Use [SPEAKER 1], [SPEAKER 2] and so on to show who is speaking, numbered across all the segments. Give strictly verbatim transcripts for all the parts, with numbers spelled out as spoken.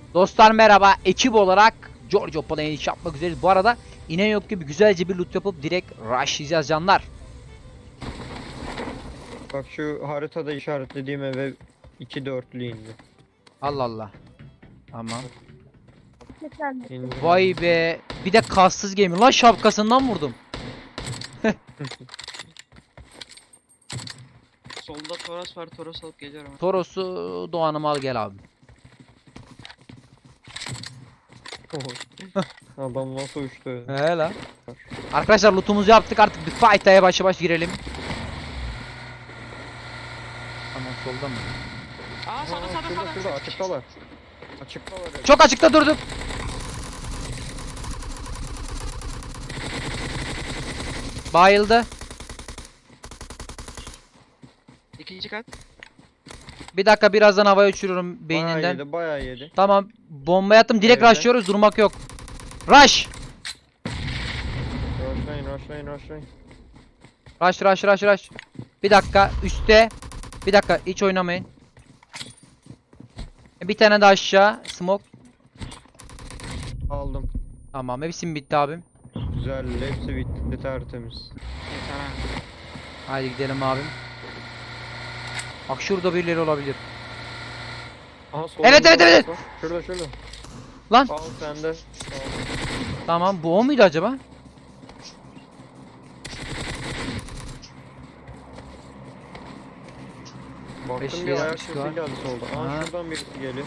[SPEAKER 1] Dostlar merhaba, ekip olarak Giorgio Palay'ı iş yapmak üzereyiz. Bu arada inen yok gibi güzelce bir loot yapıp direkt rushlayacağız canlar.
[SPEAKER 2] Bak şu haritada işaretlediğim eve iki dörtlü indi.
[SPEAKER 1] Allah Allah. Tamam.
[SPEAKER 2] İndi.
[SPEAKER 1] Vay be. Bir de kassız gemi. Lan şapkasından vurdum.
[SPEAKER 3] Solda Toros var, Toros alıp geliyorum.
[SPEAKER 1] Toros'u Doğan'ım al gel abi.
[SPEAKER 2] Adam nasıl uçtu?
[SPEAKER 1] He lan. Arkadaşlar lootumuzu yaptık, artık bir fight'a yavaş yavaş girelim. Tamam, solda mı?
[SPEAKER 3] Aa sağda
[SPEAKER 2] Aa,
[SPEAKER 3] sağda
[SPEAKER 2] şurada
[SPEAKER 3] sağda.
[SPEAKER 2] şurada açıktalar. Açıktalar. evet.
[SPEAKER 1] Çok açıkta durduk. Bayıldı.
[SPEAKER 3] İkinci kat.
[SPEAKER 1] Bir dakika, birazdan havaya uçururum
[SPEAKER 2] Bayağı
[SPEAKER 1] beyninden.
[SPEAKER 2] yedi, bayağı yedi.
[SPEAKER 1] Tamam, bomba attım, direkt
[SPEAKER 2] Evet.
[SPEAKER 1] rushlıyoruz, durmak yok. Rush!
[SPEAKER 2] Rushlayın, rushlayın, rushlayın.
[SPEAKER 1] Rush rush rush rush. Bir dakika üstte. Bir dakika, hiç oynamayın. Bir tane de aşağı smoke.
[SPEAKER 2] Aldım.
[SPEAKER 1] Tamam, hepsi bitti abim.
[SPEAKER 2] Güzel, hepsi bitti, tertemiz.
[SPEAKER 3] Yeter ha.
[SPEAKER 1] Haydi gidelim abim. Bak şurada birileri olabilir.
[SPEAKER 2] Aha, solunda
[SPEAKER 1] Evet, evet,
[SPEAKER 2] var,
[SPEAKER 1] evet.
[SPEAKER 2] bak. Şurada, şurada.
[SPEAKER 1] Lan
[SPEAKER 2] Al sende. Al.
[SPEAKER 1] tamam, bu o muydu acaba?
[SPEAKER 2] Baktım
[SPEAKER 1] Beşli
[SPEAKER 2] bir ayak
[SPEAKER 1] yapmış
[SPEAKER 2] sesi
[SPEAKER 1] var.
[SPEAKER 2] geldi solda. Aa,
[SPEAKER 1] Aha.
[SPEAKER 2] şuradan birisi geliyor.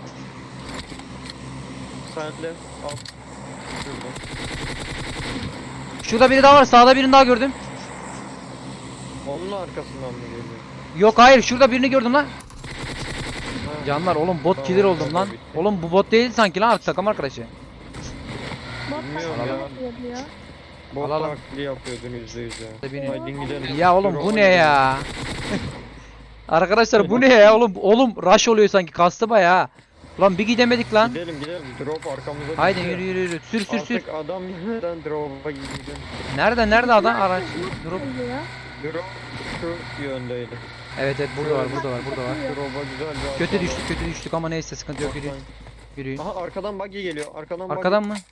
[SPEAKER 2] Sende. Al. Şurada.
[SPEAKER 1] Şurada biri daha var, sağda birini daha gördüm.
[SPEAKER 2] Onun arkasından mı geliyor?
[SPEAKER 1] Yok hayır, şurada birini gördüm lan.
[SPEAKER 2] Ha.
[SPEAKER 1] Canlar oğlum, bot
[SPEAKER 2] Tamam,
[SPEAKER 1] killer oldum
[SPEAKER 2] tamam,
[SPEAKER 1] lan.
[SPEAKER 2] bitti.
[SPEAKER 1] Oğlum bu bot değil sanki lan, takım arkadaşı.
[SPEAKER 2] Bilmiyorum ya.
[SPEAKER 4] ya.
[SPEAKER 2] Bot
[SPEAKER 1] Alalım.
[SPEAKER 2] taklidi yapıyordun yüzde yüz ya.
[SPEAKER 1] Birini-
[SPEAKER 2] Haydi gidelim.
[SPEAKER 1] Ya oğlum
[SPEAKER 2] Dur,
[SPEAKER 1] bu
[SPEAKER 2] ona
[SPEAKER 1] ne
[SPEAKER 2] gidelim.
[SPEAKER 1] ya? Arkadaşlar bu ne ya oğlum? Oğlum rush oluyor sanki, kastı bayağı. Ulan bir gidemedik lan.
[SPEAKER 2] Gidelim gidelim. Drop arkamıza
[SPEAKER 1] Haydi
[SPEAKER 2] düşüyor.
[SPEAKER 1] yürü yürü yürü. Sür sür sür.
[SPEAKER 2] Artık adam yeniden drop'a gidelim.
[SPEAKER 1] Nerede nerede adam araç? Drop.
[SPEAKER 2] Drop şu yöndeydi.
[SPEAKER 1] Evet evet, burada var burada var burada var.
[SPEAKER 2] Drop'a güzel bir
[SPEAKER 1] Kötü
[SPEAKER 2] atma
[SPEAKER 1] düştük kötü düştük ama neyse, sıkıntı yok,
[SPEAKER 2] var.
[SPEAKER 1] yürüyün. Yürüyün.
[SPEAKER 2] Aha, arkadan buggy geliyor. Arkadan buggy.
[SPEAKER 1] Arkadan mı?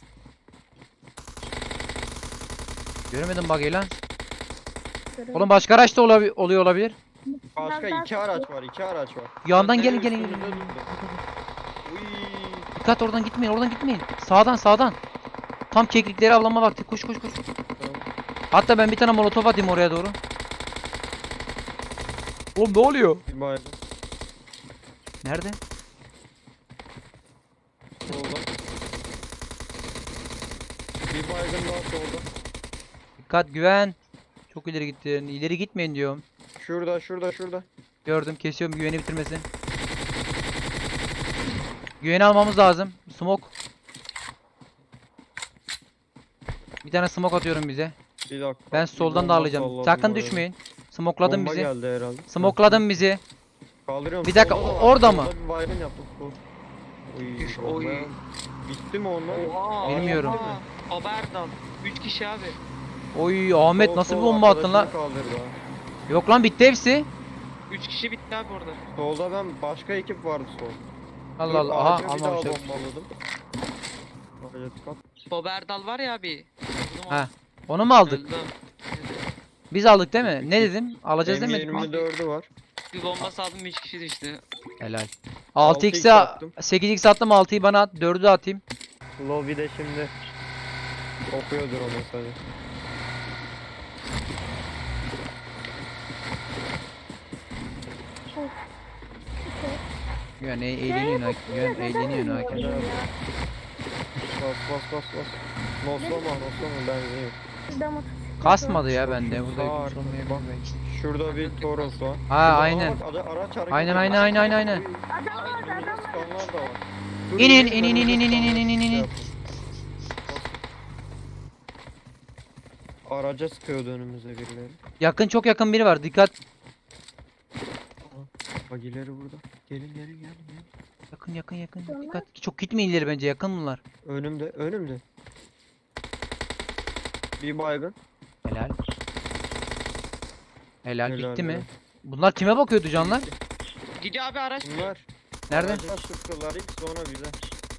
[SPEAKER 1] Göremedim bug'i lan. Oğlum başka araç da olabi- oluyor olabilir.
[SPEAKER 2] Başka iki araç var. iki araç var.
[SPEAKER 1] Yandan
[SPEAKER 2] Bak,
[SPEAKER 1] gelin
[SPEAKER 2] nereye
[SPEAKER 1] gelin gelin.
[SPEAKER 2] üstümüze durdu. Uy.
[SPEAKER 1] Dikkat, oradan gitmeyin oradan gitmeyin. Sağdan sağdan. Tam keklikleri avlama vakti. Koş koş koş.
[SPEAKER 2] Tamam.
[SPEAKER 1] Hatta ben bir tane molotof atayım oraya doğru. Oğlum ne oluyor?
[SPEAKER 2] Bir baygın.
[SPEAKER 1] Nerede?
[SPEAKER 2] Solda. Bir baygın daha solda.
[SPEAKER 1] Dikkat, güven. Çok ileri gittin. İleri gitmeyin diyorum.
[SPEAKER 2] Şurada şurada şurada.
[SPEAKER 1] Gördüm, kesiyorum, güveni bitirmesin. Güveni almamız lazım. Smoke. Bir tane smoke atıyorum bize.
[SPEAKER 2] Bir dakika.
[SPEAKER 1] Ben
[SPEAKER 2] bir
[SPEAKER 1] soldan da
[SPEAKER 2] bomba
[SPEAKER 1] alacağım.
[SPEAKER 2] salladım
[SPEAKER 1] Sakın
[SPEAKER 2] oraya.
[SPEAKER 1] düşmeyin. Smokladın
[SPEAKER 2] Bomba
[SPEAKER 1] bizi.
[SPEAKER 2] geldi herhalde.
[SPEAKER 1] Smokladın bizi.
[SPEAKER 2] Kaldırıyorum.
[SPEAKER 1] Bir dakika,
[SPEAKER 2] Solda da var,
[SPEAKER 1] orada
[SPEAKER 2] solda
[SPEAKER 1] mı?
[SPEAKER 2] Bir baygın yaptım. Sol. Uy,
[SPEAKER 3] Üf,
[SPEAKER 2] bomba.
[SPEAKER 3] oy.
[SPEAKER 2] Bitti mi onlar?
[SPEAKER 3] Oha.
[SPEAKER 1] Bilmiyorum.
[SPEAKER 3] Oha. Haberdan. üç kişi abi.
[SPEAKER 1] Oy Ahmet,
[SPEAKER 2] Sol,
[SPEAKER 1] nasıl bir
[SPEAKER 2] sol,
[SPEAKER 1] bomba attın
[SPEAKER 2] arkadaşını
[SPEAKER 1] lan?
[SPEAKER 2] kaldırdı ha.
[SPEAKER 1] Yok lan, bitti hepsi.
[SPEAKER 3] üç kişi bitti abi orada.
[SPEAKER 2] Solda ben başka ekip vardı sol.
[SPEAKER 1] Allah
[SPEAKER 2] Dur,
[SPEAKER 1] Allah. Aha,
[SPEAKER 2] ağaca bir daha
[SPEAKER 1] almamışlar.
[SPEAKER 2] bombaladım. Ağaca tıkat.
[SPEAKER 3] Haberdal var ya abi. Vurdum
[SPEAKER 1] Ha,
[SPEAKER 3] onu.
[SPEAKER 1] onu mu aldık?
[SPEAKER 3] Öldüm.
[SPEAKER 1] Biz aldık değil mi? Ne dedim? Alacağız
[SPEAKER 2] M
[SPEAKER 1] demedik mi?
[SPEAKER 2] yirmi dördü var.
[SPEAKER 3] Bir bomba saldım, üç kişi düştü.
[SPEAKER 1] Helal.
[SPEAKER 2] altı
[SPEAKER 1] altı
[SPEAKER 2] x
[SPEAKER 1] x'e
[SPEAKER 2] attım.
[SPEAKER 1] sekiz x attım, altıyı bana at, dördü de atayım.
[SPEAKER 2] Lobby'de şimdi okuyordur o mesajı.
[SPEAKER 1] Güven e eğleniyorsun ha. Güven eğleniyorsun ha.
[SPEAKER 2] Helal. Bas bas bas bas. Noslama noslama benzin yok.
[SPEAKER 1] Kasmadı ya bende. Burada
[SPEAKER 2] Sağ
[SPEAKER 1] yükümüz olmayabilir
[SPEAKER 2] bak.
[SPEAKER 1] belki.
[SPEAKER 2] Şurada bir Toros var.
[SPEAKER 1] Ha,
[SPEAKER 2] Şurada-
[SPEAKER 1] aynen.
[SPEAKER 2] Aa, bak, ara- araç hareket
[SPEAKER 1] Aynen,
[SPEAKER 2] ediyor.
[SPEAKER 1] aynen, aynen, aynen, aynen.
[SPEAKER 2] Uy, önümüze sıkanlar da var. Dur,
[SPEAKER 1] İnin,
[SPEAKER 2] dur,
[SPEAKER 1] inin,
[SPEAKER 2] önümüze
[SPEAKER 1] inin, inin,
[SPEAKER 2] sıkanlar
[SPEAKER 1] inin, inin,
[SPEAKER 2] şey
[SPEAKER 1] inin.
[SPEAKER 2] yapın. Araca sıkıyordu önümüze birileri.
[SPEAKER 1] Yakın, çok yakın biri var. Dikkat.
[SPEAKER 2] Bagileri burada. Gelin gelin gelin gelin.
[SPEAKER 1] Yakın yakın yakın. Dikkat. Çok gitmeyin ileri bence. Yakın bunlar.
[SPEAKER 2] Önümde önümde. Bir baygın.
[SPEAKER 1] Helal. Helal,
[SPEAKER 2] Helal,
[SPEAKER 1] bitti mi?
[SPEAKER 2] helal.
[SPEAKER 1] Bunlar kime bakıyordu canlar?
[SPEAKER 3] Gidiyor abi araç.
[SPEAKER 2] Bunlar
[SPEAKER 1] Nerede?
[SPEAKER 2] araca sıktılar ilk sonra bize.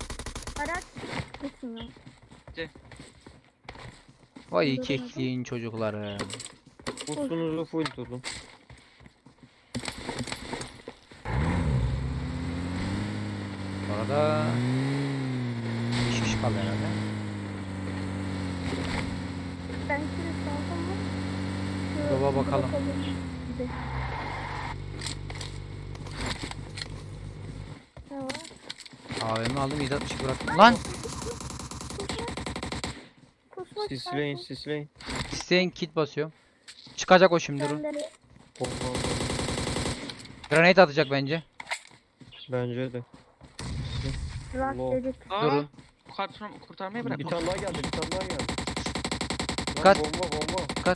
[SPEAKER 4] Araç gitmiyor.
[SPEAKER 1] Vay kekliğin çocukları.
[SPEAKER 2] Ustunuzu full tutun.
[SPEAKER 1] Orada beş kişi kaldı herhalde.
[SPEAKER 4] Ben şimdi saldım mı? Şu
[SPEAKER 1] Baba bakalım.
[SPEAKER 4] bakalım. Bir de. Ne var?
[SPEAKER 1] A V M aldım yedi altmış bıraktım. Lan!
[SPEAKER 4] Kusmak
[SPEAKER 2] Sisleyin sisleyin.
[SPEAKER 1] İsteyin kit basıyorum. Çıkacak o şimdi durun.
[SPEAKER 4] Kendileri.
[SPEAKER 2] Bomba.
[SPEAKER 1] Granate atacak bence.
[SPEAKER 2] Bence de.
[SPEAKER 4] Rast
[SPEAKER 2] Allah.
[SPEAKER 4] dedik.
[SPEAKER 3] Aa,
[SPEAKER 1] Durun.
[SPEAKER 3] kurtarma, kurtarmayı bırak.
[SPEAKER 2] Bir tane daha geldi, bir tane daha geldi. Lan
[SPEAKER 1] Kat.
[SPEAKER 2] bomba bomba.
[SPEAKER 1] Dikkat.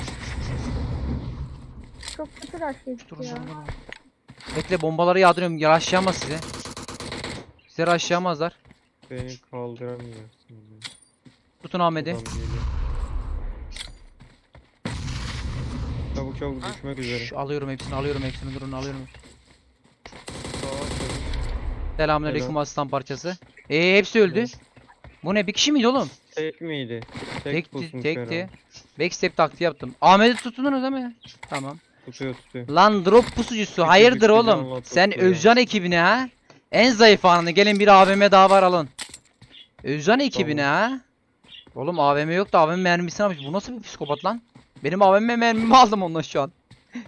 [SPEAKER 4] Çok kötü rast dedik
[SPEAKER 1] Durun
[SPEAKER 4] ya.
[SPEAKER 1] durun durun. Bekle bombaları yağdırıyorum. Yaraşlayamaz size. Size raşlayamazlar.
[SPEAKER 2] Beni kaldıramıyorsun.
[SPEAKER 1] Tutun Ahmet'i.
[SPEAKER 2] Adam geliyor. Çabuk çabuk
[SPEAKER 3] Ha?
[SPEAKER 2] düşmek üzere.
[SPEAKER 1] Şş, alıyorum hepsini alıyorum hepsini durun alıyorum.
[SPEAKER 2] Sağa çabuk.
[SPEAKER 1] Selamünaleyküm
[SPEAKER 2] Selam.
[SPEAKER 1] aslan parçası. Ee hepsi öldü.
[SPEAKER 2] Evet.
[SPEAKER 1] Bu ne bir kişi miydi oğlum?
[SPEAKER 2] Tek miydi? Tek
[SPEAKER 1] Tekti
[SPEAKER 2] pusmuş
[SPEAKER 1] tekti.
[SPEAKER 2] herhalde.
[SPEAKER 1] Backstep taktiği yaptım. Ahmet'i tutunuz değil mi? Tamam.
[SPEAKER 2] Tutuyor tutuyor.
[SPEAKER 1] Lan drop pusucusu
[SPEAKER 2] Küçük
[SPEAKER 1] hayırdır
[SPEAKER 2] bir
[SPEAKER 1] oğlum?
[SPEAKER 2] canla
[SPEAKER 1] Sen
[SPEAKER 2] tutuyor.
[SPEAKER 1] Özcan ekibine ha? En zayıf anını gelin bir A V M daha var alın. Özcan ekibine ha? Oğlum A V M yok da A V M mermisini almış. Bu nasıl bir psikopat lan? Benim A V M mermimi aldım onunla şu an.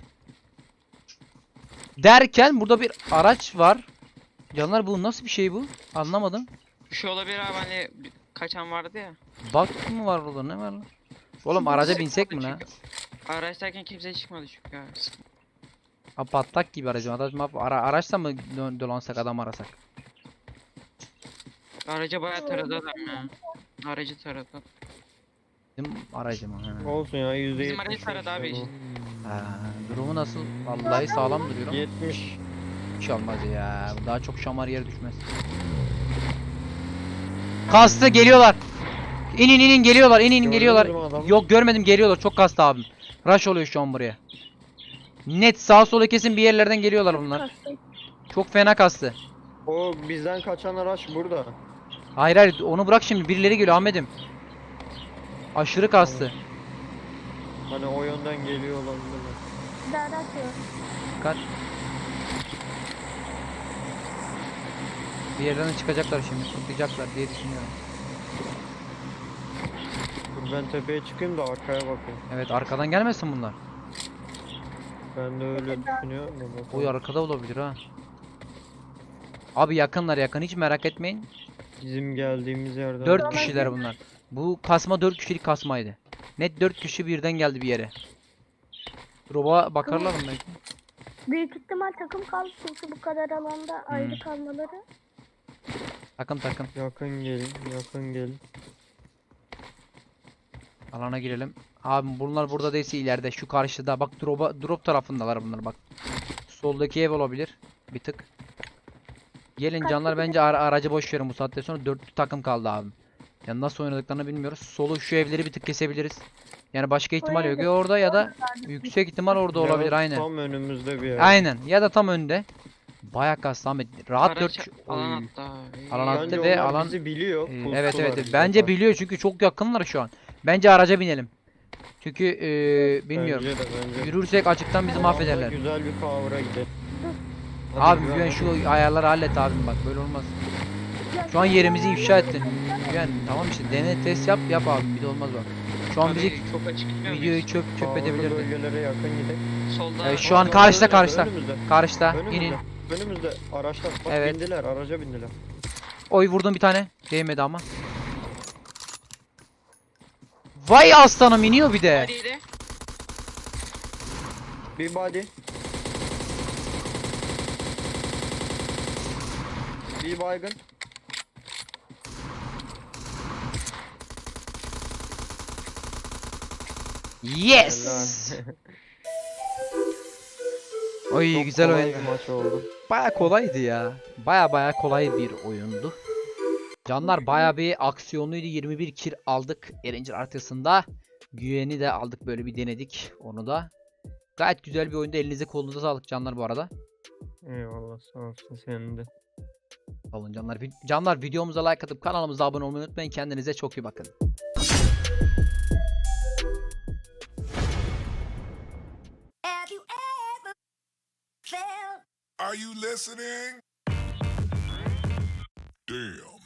[SPEAKER 1] Derken burada bir araç var. Canlar bu nasıl bir şey bu? Anlamadım.
[SPEAKER 3] Bir şey olabilir abi hani bir- kaçan vardı ya.
[SPEAKER 1] Bak mı var orada ne var lan? Oğlum araca binsek mi lan?
[SPEAKER 3] Çünkü Araçtayken kimse çıkmadı çünkü abi.
[SPEAKER 1] Ha, patlak gibi aracım. Araç mı? Ara, araçla mı dö- dolansak adam arasak?
[SPEAKER 3] Araca bayağı taradı adam ya. Aracı taradı.
[SPEAKER 1] Bizim aracım ha.
[SPEAKER 2] Olsun ya yüzde
[SPEAKER 3] Bizim
[SPEAKER 2] yetmiş.
[SPEAKER 3] aracı taradı abi işte.
[SPEAKER 1] Ha, durumu nasıl? Vallahi sağlam duruyor ama
[SPEAKER 2] yetmiş.
[SPEAKER 1] hiç olmaz ya. Daha çok şamar yere düşmez. Kastı geliyorlar. İnin inin geliyorlar. İnin inin
[SPEAKER 2] Gördünüz
[SPEAKER 1] geliyorlar.
[SPEAKER 2] mü adamı?
[SPEAKER 1] Yok görmedim geliyorlar. Çok kastı abim. Rush oluyor şu an buraya. Net sağ sola kesin bir yerlerden geliyorlar bunlar.
[SPEAKER 4] Kastı.
[SPEAKER 1] Çok fena kastı.
[SPEAKER 2] O bizden kaçan araç burada.
[SPEAKER 1] Hayır hayır onu bırak şimdi. Birileri geliyor Ahmet'im. Aşırı kastı.
[SPEAKER 2] Hani o yönden geliyor olabilirler.
[SPEAKER 4] Bir de araç var.
[SPEAKER 1] Dikkat. Bir yerden de çıkacaklar şimdi. Tutacaklar diye düşünüyorum.
[SPEAKER 2] Dur ben tepeye çıkayım da arkaya bakayım.
[SPEAKER 1] Evet arkadan gelmesin bunlar.
[SPEAKER 2] Ben de öyle düşünüyorum da bakalım.
[SPEAKER 1] Oy arkada olabilir ha. Abi yakınlar yakın hiç merak etmeyin.
[SPEAKER 2] Bizim geldiğimiz yerden.
[SPEAKER 1] dört
[SPEAKER 4] Tamam.
[SPEAKER 1] kişiler bunlar. Bu kasma dört kişilik kasmaydı. Net dört kişi birden geldi bir yere. Drop'a bakarlar mı belki?
[SPEAKER 4] Büyük ihtimal takım kaldı çünkü bu kadar alanda
[SPEAKER 1] Hmm.
[SPEAKER 4] ayrı kalmaları.
[SPEAKER 1] Takım takım.
[SPEAKER 2] Yakın gelin, yakın gelin.
[SPEAKER 1] Alana girelim. Abi bunlar burada değilse ileride şu karşıda. Bak drop'a drop tarafındalar bunlar bak. Soldaki ev olabilir. Bir tık. Gelin
[SPEAKER 4] Kaç
[SPEAKER 1] canlar
[SPEAKER 4] kişi?
[SPEAKER 1] bence ara- aracı boş verin bu saatten sonra dörtlü takım kaldı abi. Yani nasıl oynadıklarını bilmiyoruz. Solu şu evleri bir tık kesebiliriz. Yani başka ihtimal yok
[SPEAKER 4] evde-
[SPEAKER 1] ya orada ya da yüksek ihtimal orada
[SPEAKER 2] Ya
[SPEAKER 1] olabilir aynen.
[SPEAKER 2] Tam önümüzde bir yer.
[SPEAKER 1] Aynen ya da tam önde. Bayağı kastı Ahmet. Rahat
[SPEAKER 3] Araç
[SPEAKER 1] dört
[SPEAKER 3] alan
[SPEAKER 1] Oy.
[SPEAKER 3] attı abi.
[SPEAKER 1] Alan attı.
[SPEAKER 2] Bence
[SPEAKER 1] ve
[SPEAKER 2] onlar
[SPEAKER 1] alan-
[SPEAKER 2] bizi biliyor.
[SPEAKER 1] Ee,
[SPEAKER 2] pusular
[SPEAKER 1] evet evet
[SPEAKER 2] bize
[SPEAKER 1] bence
[SPEAKER 2] karşı.
[SPEAKER 1] biliyor çünkü çok yakınlar şu an. Bence araca binelim. Çünkü ee, bilmiyorum.
[SPEAKER 2] Bence de bence.
[SPEAKER 1] Yürürsek açıktan bizi
[SPEAKER 2] Vallahi
[SPEAKER 1] mahvederler.
[SPEAKER 2] Güzel bir kavra gidelim.
[SPEAKER 1] Abi
[SPEAKER 2] güven,
[SPEAKER 1] Güven
[SPEAKER 2] hadi.
[SPEAKER 1] şu ayarları hallet abim bak böyle olmaz. Şu an yerimizi ifşa ettin. Güven tamam işte dene test yap yap abi bir de olmaz bak. Şu an
[SPEAKER 3] Abi,
[SPEAKER 1] bizi
[SPEAKER 3] çok açık gitmiyor
[SPEAKER 1] videoyu
[SPEAKER 3] muyuz?
[SPEAKER 1] çöp çöp
[SPEAKER 2] Kavralı
[SPEAKER 1] edebilirdi.
[SPEAKER 2] bölgelere yakın gidelim.
[SPEAKER 3] Solda
[SPEAKER 1] Evet, şu an
[SPEAKER 2] Aa,
[SPEAKER 1] karşıda,
[SPEAKER 2] önümüzde,
[SPEAKER 1] karşıda.
[SPEAKER 2] Önümüzde.
[SPEAKER 1] Karşıda
[SPEAKER 2] Önümüzde.
[SPEAKER 1] inin.
[SPEAKER 2] Önümüzde araçlar. Bak
[SPEAKER 1] Evet.
[SPEAKER 2] bindiler, araca bindiler.
[SPEAKER 1] Oy vurdum bir tane. Değmedi ama. Vay aslanım iniyor bir de.
[SPEAKER 3] Hadi
[SPEAKER 2] Bir body. Bir baygın.
[SPEAKER 1] Yes.
[SPEAKER 2] Helal.
[SPEAKER 1] Oy
[SPEAKER 2] Çok
[SPEAKER 1] güzel
[SPEAKER 2] kolay
[SPEAKER 1] oyun.
[SPEAKER 2] bir maç oldu.
[SPEAKER 1] Baya kolaydı ya. Baya baya kolay bir oyundu. Canlar baya bir aksiyonluydu. yirmi bir kill aldık Erencil haritasında. Güven'i de aldık böyle bir denedik onu da. Gayet güzel bir oyunda elinize kolunuza sağlık canlar bu arada.
[SPEAKER 2] Eyvallah sağ olsun senin de.
[SPEAKER 1] Sağ olun canlar. Vi- Canlar videomuza like atıp kanalımıza abone olmayı unutmayın. Kendinize çok iyi bakın.
[SPEAKER 5] Have you ever felt
[SPEAKER 6] Are you listening? Damn.